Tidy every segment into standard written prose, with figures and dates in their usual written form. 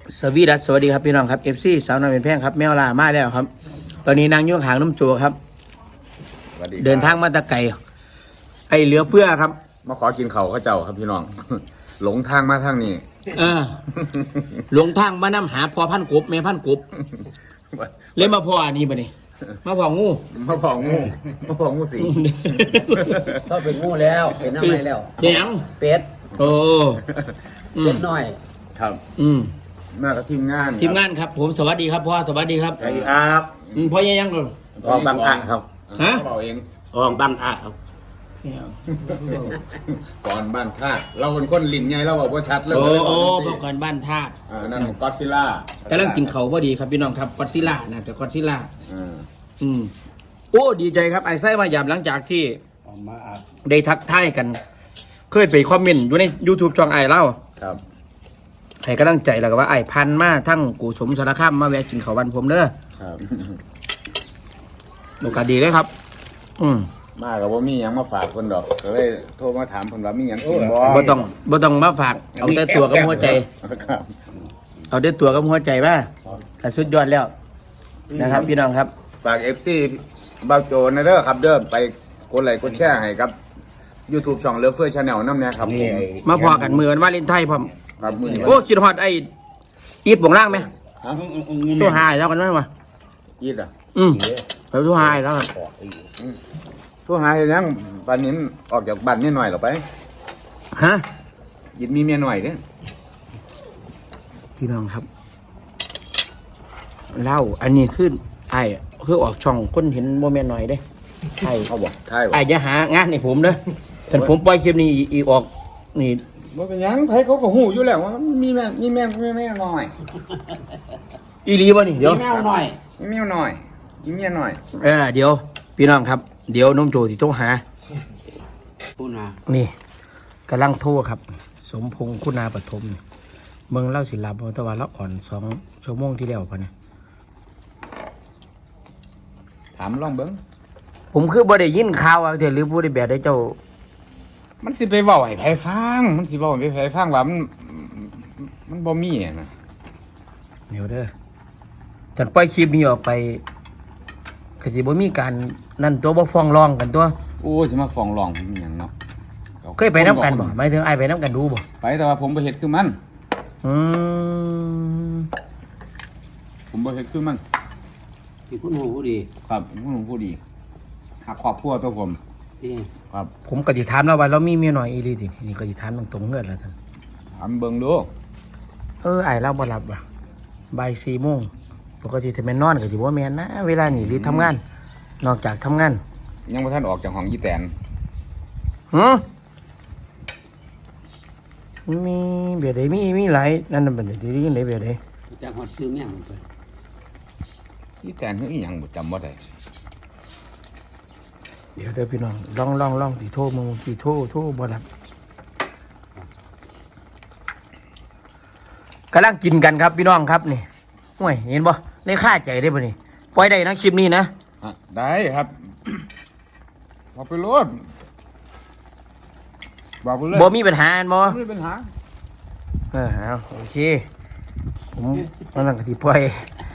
สวัสดีครับพี่น้องครับ FC สาวน้อยเป็นแพงครับแมวล่ามาแล้วครับ ตอนนี้นางยุ่งหางน้ำโจครับเดินทางมาตะไก่ไอเหลือเฟือครับมาขอกินเขาข้าเจ้าครับพี่น้อง หลงทางมาทางนี้หลงทางมานำหาพอพันกบแม่พันกบเลยมาพออันนี้บ่นี่มาพองูสิงชอบเป็นงูแล้วเป็นน้ำไรแล้วยังเป็ดโอ้เป็ดน้อยครับมากับทีมงานครับผมสวัสดีครับพ่อสวัสดีครับสวัสดีครับพ่อยังก่อนออกบางอ่ะครับฮะบอกเองออกบางอ่ะครับก่อนบ้านธาตุเราเป็นคนลิ้นใหญ่เราบอกว่าชัดเลยโอ้ก่อนบ้านธาตุนั่นก็อดซิลล่ากำลังกินเขาพอดีครับพี่น้องครับก็อดซิลล่านะแต่ก็อดซิลล่าโอ้ดีใจครับไอ้ไส้มาหยาบหลังจากที่ได้ทักทายกันเคยไปคอมเมนต์อยู่ใน YouTube ช่องไอ้เล่าครับให้กำลังใจแล้วก็ว่าไอ้พันมาทั้งกูสมสารคามมาแวะกินข้าววันผมเด้อครับโอกาสดีเลยครับมากับว่ามียังมาฝากคนดอกก็เลยโทรมาถามคนว่ามียังกินบ่ต้องมาฝากเอาแต่ตัวกับหัวใจเอาแต่ตัวกับหัวใจว่าแต่สุดยอดแล้วนะครับพี่น้องครับฝาก FC บ่าวโจนะเด้อครับเด้อไปกดไลค์กดแชร์ให้ครับ YouTube ช่องเลิฟเฟอร์ชาแนลน้ำเนี่ยครับมาพอกันมือวันวาเลนไทน์พร้อมครับมือโอ้คิดฮอดไอ้อีทบ่งล่างไหมตัวหายแล้วกันไหมวะอีทอ่ะไปตัวหายแล้วกันตัวหายยังบ้านนี้ออกจากบ้านนิดหน่อยหรอไปฮะยินมีเมียหน่อยเด้พี่น้องครับเล่าอันนี้ขึ้นไอ้คือออกช่องคนเห็นโมเมนต์หน่อยเด้ใช่เขาบอกใช่ไอ้จะหางานในผมเด้อฉันผมปล่อยคลิปนี้อีออกนี่ว่าเป็นยังไทยเขาก็หูอยู่แล้วว่ามีแม่หน่อยอีรีบ่นี่เดี๋ยวมีแมวหน่อยมีเมียหน่อยเดี๋ยวพี่น้องครับเดี๋ยวน้องโจที่โทรหานี่กำลังโทรครับสมพงษ์คุณาปฐมเมืองเล่าศิลป์ตะวันละอ่อน2 ชั่วโมงที่แล้วพอเนี่ยถามลองเบิ้งผมคือบ่ได้ยินข่าวอะไรหรือผู้ได้แบบได้เจ้ามันสิไปเว้าให้ไผฟังมันสิเว้าให้ไผฟังว่ามันบ่มีนะเดี๋ยวเด้อฉันปล่อยคลิปนี้ออกไปก็สิบ่มีการนั่นตัวบ่ฟ้องร้องกันตัวโอ้สิมาฟ้องร้องเป็นหยังเนาะเคยไปน้ำกันบ่หมายถึงไอ้ไปน้ำกันดูบ่ไปแต่ว่าผมบ่เฮ็ดคือมันผมบ่เฮ็ดคือมันที่พูดหูผู้ดีครับผู้ดีหักครอบครัวตัวผมครับผมก็สิถามแล้วว่าเรามีเมียน้อยอีหลีตินี่ก็สิถามตรงๆเฮือดแล้วซั่นถามเบิ่งดูไอ้เราบ่หลับว่ะบ่าย 4 โมงปกติถ้าแม่นนอนก็สิบ่แม่นนะเวลานี้หรือทำงานนอกจากทำงานยังบ่ทันออกจากห้องอีแตนมีเบียดใดมีหลายนั่นน่ะเป็นได้ยินได้เบียดใดจากฮอดชื่อแม่งไปอีแตนคืออีหยังบ่จำบ่ได้เดี๋ยวพี่น้องลองสิโทรมึงสิโทรบ่รับกำลังกินกันครับพี่น้องครับนี่ห่วยเห็นบ่ได้ค่าใจได้บ่นี่ปล่อยได้นะคลิปนี้นะได้ครับบอกไปโลดบอกไปเลยบ่มีปัญหาบ่มีปัญหาเอาโอเคผมนั่นก็สิปล่อย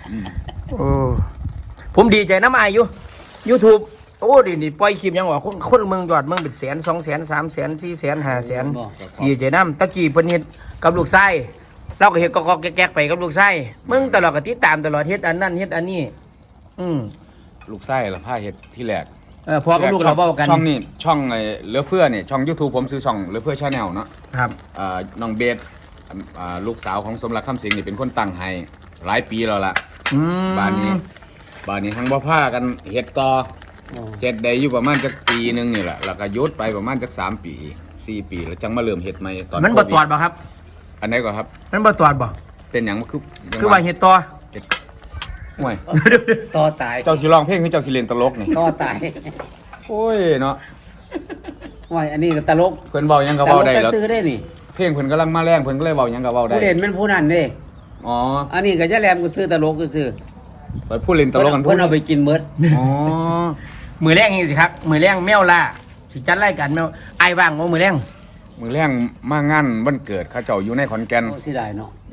ผมดีใจน้ำอายอยู่ YouTube โอ้ดิปล่อยคลิปยังว่าคนเมืองยอดเมืองเป็น100,000 200,000 300,000 400,000 500,000ดีใจน้ำตะกี้เพิ่นเฮ็ดกับลูกชายเราก็เฮ็ดกอกแก๊กไปกับลูกชายมึงตลอดก็ติดตามตลอดเฮ็ดอันนั้นเฮ็ดอันนี้ลูกไส้ละผ้าเฮ็ดที่แรกพอกับลูกเราเว้ากันช่องนี้ช่องไอ้เหลือเฟือนี่ช่อง YouTube ผมซื้อช่องเหลือเฟือชาแนลเนาะครับน้องเบสลูกสาวของสมรักคำสิงนี่เป็นคนตั้งให้หลายปีแล้วล่ะบ้านนี้ทั้งบ่พากันเฮ็ดต่อเฮ็ดได้อยู่ประมาณจักปีนึงนี่แหละแล้วก็หยุดไปประมาณจัก3 ปี 4 ปีแล้วจังมาเริ่มเฮ็ดใหม่ตอนมันบ่ตอดบ่ครับอันไหนก่อนครับมันบ่ตอดบ่เป็นหยังคือว่าเฮ็ดต่อห่วยต่อตายเจ้าสิร้องเพลงคือเจ้าสิเล่นตลกนี่ต่อตายโอ้ยเนาะห่วยอันนี้ก็ตลกเพิ่นเว้าหยังก็เว้าได้แล้วซื้อได้นี่เพลงเพิ่นกำลังมาแรงเพิ่นก็เลยเว้าหยังก็เว้าได้ผู้เล่นมันผู้นั้นเด้อันนี้ก็จะแลมก็ซื้อตลกก็ซื้อไปผู้เล่นตลกกันเพิ่นเอาไปกินหมดมือแรงนี่สิครับมือแรงแมวล่าสิจัดรายการแมวไอ้ว่างบ่มือแรงมือแรงมางานวันเกิดเขาเจ้าอยู่ในขอนแก่นสิได้เนาะ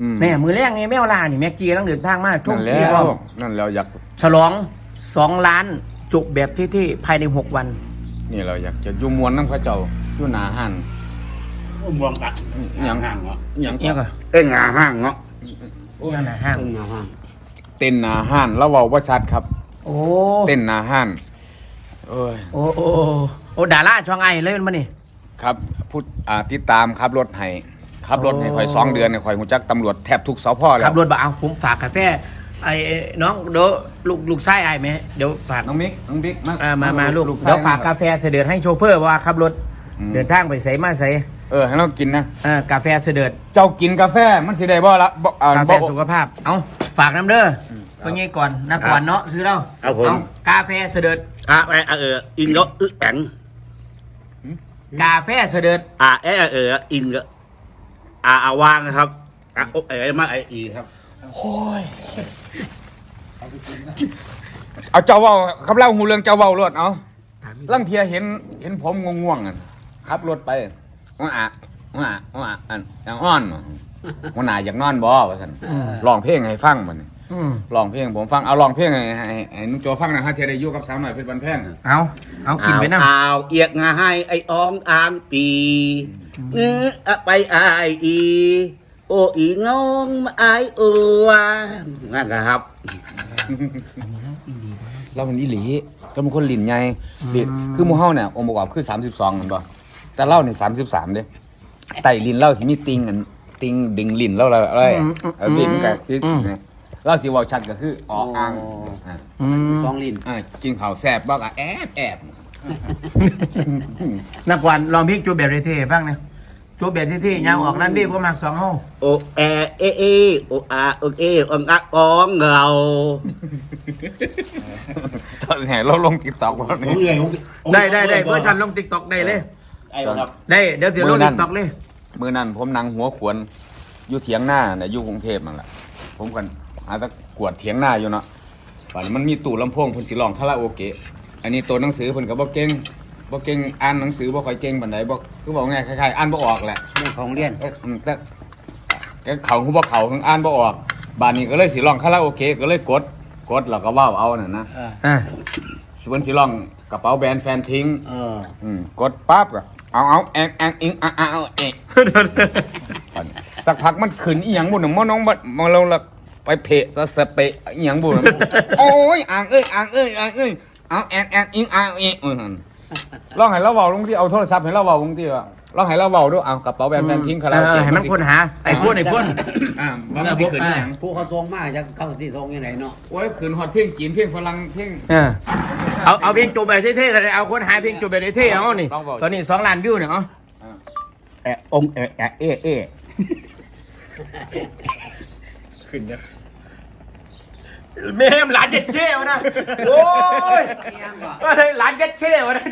แม่มือแรกไงแม่เวลานี่แม็กกี้ต้องเดินทางมาท่องนั่นแล้เที่ยววนั่นแล้วอยากฉลอง2 ล้านจบแบบที่ภายใน6 วันนี่เราอยากจะอยู่มวนน้ำเข้าเจ้าอยู่หนาหันมวงกัดอย่างห่างเหรออย่างเนี่ยก็เอ้งาห่างเนาะเนี่ยนะห้างเอ้งาห่างเต้นหนาหันแล้วเว้าว่าชัดครับโอ้เต้นหนาหันโอ้ยโอ้โอ้โอ้ดาราช่องไอเลยมันมานี่ครับพูดติดตามขับรถให้ขับรถให้ข่อย2 เดือนเนี่ยข่อยหูจักตำรวจแทบทุกสพแล้วขับรถบ่เอาผมฝากกาแฟไอ้น้องเดี๋ยวลูกไส้ไอ้ไหมเดี๋ยวฝากน้องบิ๊กมาลูกชยเดี๋ยวฝากกาแฟเสด็จให้โชเฟอร์ว่าขับรถเดินทางไปใส่มาใส่ให้เรากินนะกาแฟเสด็จเจ้ากินกาแฟมันสิได้บ่ละบ่กาแฟสุขภาพเอาฝากน้ำเด้อเมื่อกี้ก่อนนะก่อนเนาะซื้อแล้วเอาผมกาแฟเสด็จอินก็แข็งกาแฟเสด็จอินก็วางครับมาอีครับเอาเจ้าเว้าครับเล่าหูเรื่องเจ้าเว้ารถเอาลังเทียเห็นผมง่วงๆอ่ะขับรถไปว่าอันอย่างอ่อนหัวหน้าอยากนอนบ่ว่าซั่นร้องเพลงให้ฟังบัดนี้ร้องเพลงผมฟังเอาร้องเพลงให้นุ่งโจฟังนะฮะเทียได้อยู่กับสาวหน่อยเพชรบันแพงเอากินไปน้ำเอาเอียกงาให้ไอ้อองอ่างปีไปอายอีโออีงงมาอายอัวนั่นครับเราเป็นอีหลีก็เป็นคนลิ้นใหญ่ลิ้นคือหมู่เฮาเนี่ยองค์ประกอบคือ32นั่นบ่แต่เล่านี่33เด้ไต้ลิ้นเล่าสิมีติงอันติงดึงลิ้นเล่าอะไรลิ้นก็คือเล่าสิเว้าชัดก็คือออ่างอ่าสองลิ้นกินข้าวแซ่บบ่ก็แอบนักวันลองพลิกจูบแบบเท่ๆบ้างเนี่ยจูบแบบเท่ๆยาวออกนั่นพี่ก็มัก2 ห้องโอโออาโอเอองอะกองเราเจ้าแห่เราลง TikTok บ่นี่ได้เพื่อฉันลงติ๊กต็อกได้เลยไอ้ครับได้เดี๋ยวถือลงติ๊กต็อกเลยมื้อนั้นผมนั่งหัวขวนอยู่เถียงหน้าน่ะอยู่กรุงเทพนั่นล่ะผมกันหาตะกวดเถียงหน้าอยู่เนาะบัดนี้มันมีตู้ลำโพงเพิ่นสิร้องคาราโอเกะอันนี้ตัวหนังสือเพิ่นก็บ่เก่งอ่านหนังสือบ่ค่อยเก่งปานใดบ่คือบอกไงคล้ายๆอ่านบ่ออกแหละเรื่องของเรียนแต่เขาคือบ่เขาทั้งอ่านบ่ออกบัดนี้ก็เลยสิร้องคาราโอเกะก็เลยกดแล้วก็เว้าเอานั่นนะอ่าเพิ่นสิร้องกระเป๋าแบรนด์แฟนทิ้ง กดปั๊บก็เอาแองอิงเอาเอกสักพักมันขึ้นอีหยังบุญมอน้องมาเราละไปเพะสเปะอีหยังบุญโอ้ยอ่างเอ้ยเอาแองอิงเอกลองให้เราเว้าลงที่เอาโทรศัพท์ให้เราเว้าลงที่ว่าลองให้เราเว้าด้วยเอากระเป๋าแบรนด์แฟนทิ้งคาราโอเกะให้มันคนหาไอ้พ่นมันสิขึ้นอีหยังผู้เขาทรงมากจะเข้าที่ทรงยังไงเนาะโอ้ยขึ้นฮอดเพลงจีนเพลงฝรั่งเพลงเอาเพลงจูบแบบเท่ๆกันเลยเอาคนหาเพลงจูบแบบเท่ๆเอานี่ตอนนี้2 ล้านวิวเนี่ยเอาองเอขึ้นจ้ะเมมหลานเจ็ดเท่วะนะโอ้ยหลานเจ็ดเท่วะนะ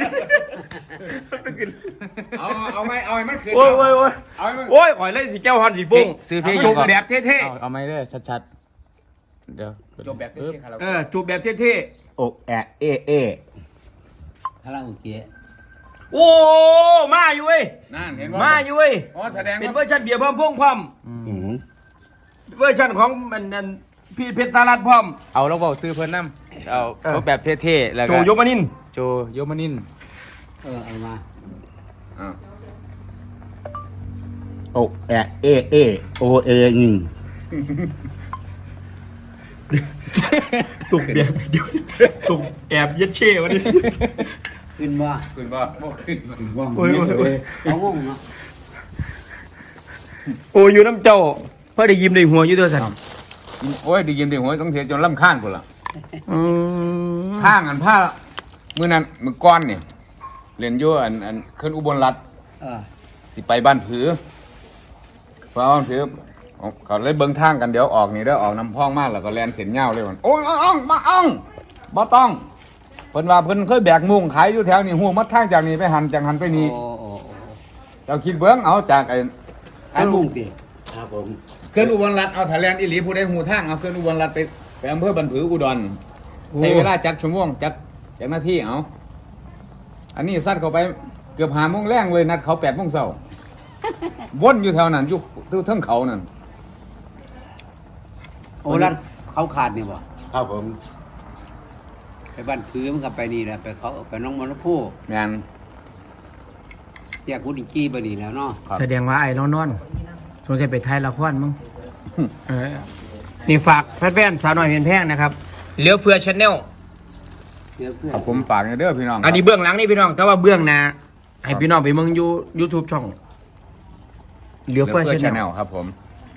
เอาไหมมันขึ้นโอ้ยเอาไหมโอ้ยข่อยเล่นสีแก้วฮอนสีฟุ้งซื้อเพลงจูบแบบเท่เอาไหมเด้อชัดๆเดี๋ยวจบแบบเท่ๆคาราโอๆเกะจูบแบบเท่โอเอคาราโอเกะๆโอ้มาอยู่เว้ยนั่นเห็นว่ามาอยู่เว้ยอ๋อแสดงเป็นเวว่าอร์ชันเบียร์พร้อมพงพร้อมเวอร์ชันของมันพี่เพชรสารัตพร้อมเอาเราบอกซื้อเพิ่นน้ำเอาแบบเท่ๆแล้วโจก็ยมานินโจโยมานินเอามาอ่าโอเอโอเอหนึ่งตุกแบบเดียวตุกแอบเย็ดเช่วะนี่ขึ้นว่าขึ้นบ่ขึ้นว่าโอ้ยเขางงเนาะโอ้ยอยู่น้ำเจ้าเพื่อได้ยิ้มได้หัวอยู่ตัวสันโอ้ยดียินดีหัวต้องเสียจนลำข้างคนละทางอันผ้ามื้อนั้นมื้อก้อนเนี่ยเรียนอยู่อันขึ้นอุบลรัตน์สิไปบ้านผือเพราะบ้านผือเขาเลยเบิ่งทางกันเดี๋ยวออกนี่เด้อออกน้ำพองมากแล้วก็แลนเส้นยาวเลยมันโอ้ยบ่ต้องเพิ่นว่าเพิ่นเคยแบกมุ้งขายอยู่แถวนี้ฮู้มัดทางจากนี้ไปหันจากหันไปนี่เจ้าคิดเบิ่งเอาจากไอ้ไอ้มุ้งตีครับผมเคลื่อนอุบลรัตน์เอาถ้าแลนอีหลีผู้ใดฮู้ทางเอาเคลื่อนอุบลรัตน์ไปอำเภอบ้านผืออุดรใช้เวลาจักชั่วโมงจักนาทีเอาอันนี้ซัดเข้าไปเกือบ5 โมงแรงเลยนัดเขา8 โมงเช้าวนอยู่แถวนั้นอยู่เทิงเขานั่นโอ้ร้านเขาขาดนี่บ่ครับผมไปบ้านพื้นมันก็ไปนี่แหละไปเขาไปน้องมรพูแมนแยกกุฎิกี้ไปนี่แล้วเนาะครับแสดงว่าไอ้นอนสงสัยไปถ่ายละครมั้งนี่ฝากแฟนๆสาวน้อยเพียนแพงนะครับเหลือเฟือชาแนลเดี๋ยวเพื่อนครับผมฝากเด้อพี่น้องอันนี้เบื้องหลังนี่พี่น้องแต่ว่าเบื้องหน้าให้พี่น้องไปเมืองYouTube ช่องเหลืเดี๋อยวเฟือเพื่อชาชาแนแนลลครับผม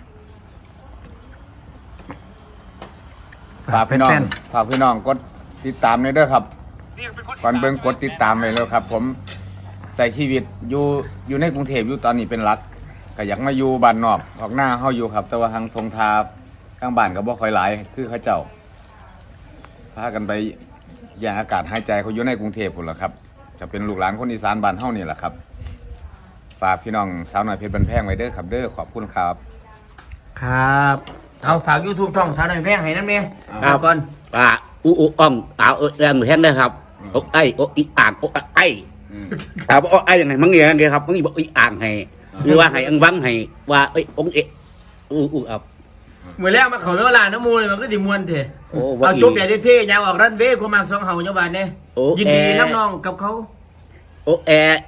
ฝากพี่น้องฝากพี่น้องกดติดตามเด้อครับก่อนเบิ่งกดติดตามไว้แล้วครับ ผมใส่ชีวิตอยู่ในกรุงเทพอยู่ตอนนี้เป็นหลักก็อยากมาอยู่บ้านนอกออกหน้าเฮาอยู่ครับ แต่ว่าทางทงทาข้างบ้านก็บ่ค่อยหลายคือเขาเจ้าพากันไปอย่างอากาศหายใจเขาอยู่ในกรุงเทพพุ่นล่ะครับจะเป็นลูกหลานคนอีสานบ้านเฮานี่แหละครับฝากพี่น้องสาวน้อยเพชรบันแพงไว้เด้อครับเด้อขอบคุณครับครับเอาฝาก YouTube ช่องสาวน้อยเพียนแพงให้นั่นเองครับก่อนอูอ่องแรงแห้งเลยครับโอ้ไอ้โอ้อีอ่างโอ้ไอ้ครับโอ้ไอ้ยังไงมั้งเนี่ยไงครับมั้งบอกอีอ่างให้หรือว่าให้อังวังให้ว่าเอ้ยองเอะครับเมื่อแรกมาเขาเนื้อลาน้ำมูเลยมันก็ดิมวนเถอะโอ้ว่าเอาจุ๊บแบบเท่ๆยาวออกรันเวย์คนมาสองเฮาเจ้าบ้านเนี่ยโอ้ยินดีแอร์น้ำน้องกับเขาโอ้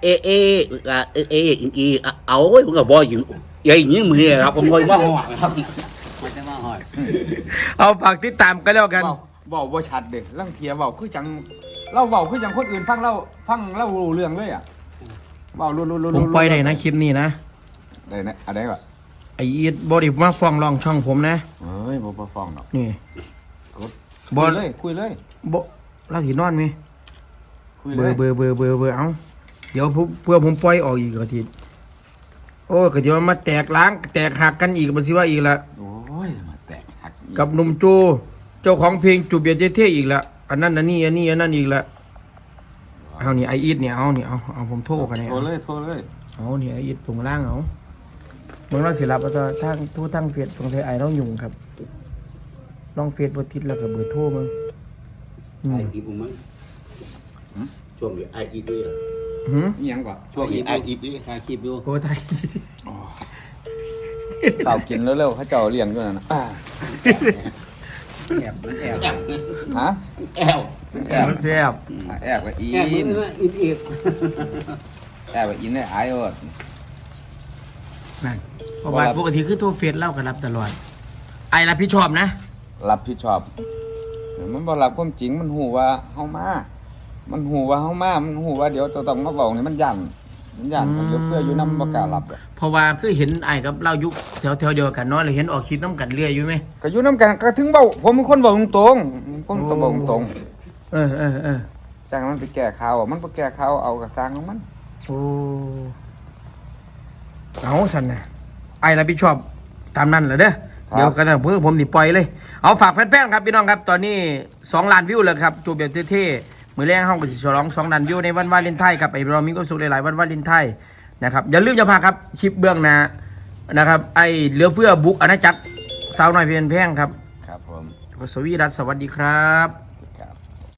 อีเอาไว้ผมก็บอกอยู่ยัยนี้มือครับผมบอกว่าหัวครับมันจะมาหอยเอาฝากติดตามกันแล้วกันเว้าบ่ชัดเด้ลังเทียเว้าคือจังเราเว้าคือจังคนอื่นฟังเรารู้เรื่องเลยอ่ะเว้ารู้ผมปล่อยได้นะคลิปนี้นะได้นะอะไรก็ไออีทบอดี้มาฟ้องร้องช่องผมนะเอ้ยบ่ฟ้องดอกนี่กดบ่คุยเลยบเราถีนอนไหมคุยเบเลอย ร์เอาเดี๋ยวเพื่อผมปล่อยออกอีกกะทีโอ้กะทีมันมาแตกล้างแตกหักกันอีกบันสิว่าอีกละโอ้ยมาแตกหักอีกับหนุ่มโจเจ้าของเพลงจูบเบียร์เท่ๆอีกละอันนั้นอันนี้อันนั้นอีกละเอานี่ไออีทเนี่ยเอาผมโทรกันเนี่ยโทรเลยเอานี่ไออีทตรงล่างเอาเมื่อเราสิรับแล้วก็ทางทู่ทางเฟซสงสัยไอต้องยุ่งครับลองเฟซบทิศแล้วก็เบอร์โทรมึงไอ้อีกูมั้งช่วงนี้ไอ้อีด้วยหืมอีหยังกว่าช่วงนี้ไอ้อีด้วยถ่ายคลิปดูโอ้ไทยเปล่ากินเร็วๆเขาเจ้าเลี้ยงด้วยนะแอบมันแอบฮะแอลแอบแซ่บแอบกับอีแอบมันนอีกแอบกับอินได้อายอดนั่นเพราะว่าปกติคือโทรเฟซเล่ากันรับตลอดไอรับผิดชอบนะรับผิดชอบมันบ่รับความจริงมันหูว่าเฮามามันหูว่าเฮามามันหูว่าเดี๋ยวจะต้องมาบอกนี่มันยันมันเดี๋ยวเฟื่ออยู่นำบ่กล้ารับอะเพราะว่าคือเห็นไอกับเล่ายุคแถวเดียวกันเนาะเลยเห็นออกคลิปน้ำกันเรื่อยอยู่ไหมก็อยู่นำกันก็ถึงเว้าผมเป็นคนเว้าตรงๆผมก็เว้าตรงเออๆจากมันไปแก้ข่าวอะมันบ่แก้ข่าวเอาก็สร้างของมันโอ้เอาสันนะไอรับผิดชอบตามนั้นแหละเด้อเดี๋ยวกันนะเพื่อผมดิปล่อยเลยเอาฝากแฟนๆครับพี่น้องครับตอนนี้2 ล้านวิวแล้วครับจูบแบบเท่ๆมือแรกห้องก็สิฉลอง2 ล้านวิวในวันวาเลนไทน์ครับไอ้เรามีความสุขหลายๆวันวาเลนไทน์นะครับอย่าลืมจะพาครับคลิปเบื้องหน้านะครับไอเหลือเฟือบุกอาณาจักรสาวน้อยเพียนแพงครับครับผมสวีดัสสวัสดีครับ